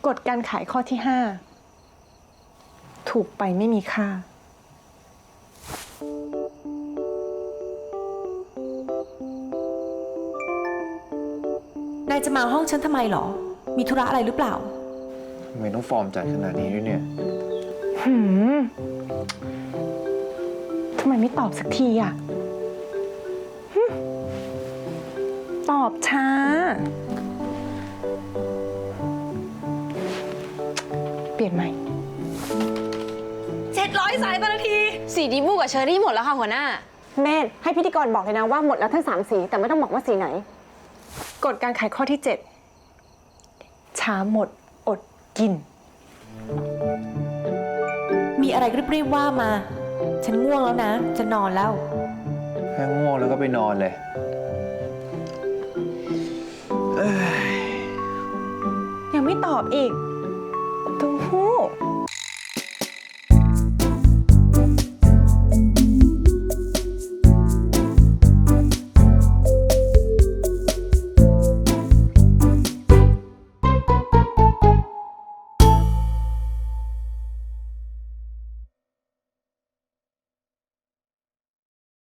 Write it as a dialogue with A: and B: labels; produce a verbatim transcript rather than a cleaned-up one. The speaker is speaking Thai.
A: ฎการขายข้อที่ห้าถูกไปไม่มีค่านายจะมาห้องฉันทำไมหรอมีธุระอะไรหรือเปล่า
B: ทำไมต้องฟอร์มจัดขนาดนี้ด้วยเนี่ย
A: หืมทำไมไม่ตอบสักทีอ่ะตอบช้าเปลี่ยนใหม่
C: เจ็ดร้อยสายต่อนาทีสีดีบูกับเชอรี่หมดแล้วค่ะหัวหน้า
D: เมธให้พิธีกรบอกเลยนะว่าหมดแล้วทั้งสามสีแต่ไม่ต้องบอกว่าสีไหน
A: กฎการขายข้อที่เจ็ดช้าหมดอดกินมีอะไรรีบๆว่ามาฉันง่วงแล้วนะจะนอนแล้ว
B: แค่ง่วงแล้วก็ไปนอนเลย
A: ยังไม่ตอบอีกตู้หู้